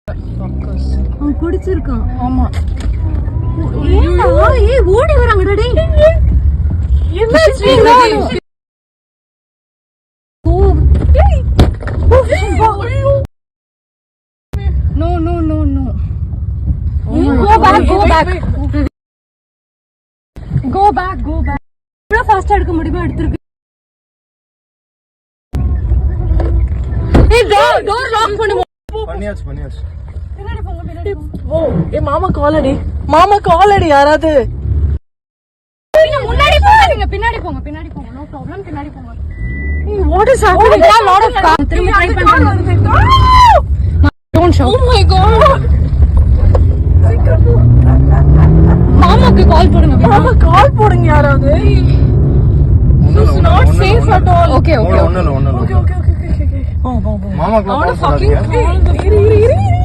அவன் குடிச்சிருக்கான். ஆமா. ஏய் ஓடி வராங்கடா டேய். என்னாச்சு? No. Go back. இவ்வளவு ஃபாஸ்டா எடுக்க முடியுமா எடுத்துருக்கு. ஏய் டோர் லாக் பண்ணு. பண்ணியாச்சு. பின்னாடி போங்க. ஓ ஏ மாமா காலடி யாராவது. முன்னாடி போங்க, நீங்க பின்னாடி போங்க. நோ ப்ராப்ளம், பின்னாடி போங்க. What is happening? There are a lot of cars. திரும்ப ட்ரை பண்ணுங்க. Don't shout. Oh my god. மாமாக்கு கால் போடுங்க. மாமா கால் போடுங்க யாராவது. This is not safe at all. Okay. ஒண்ணு. Okay. மாமா I want to fucking call.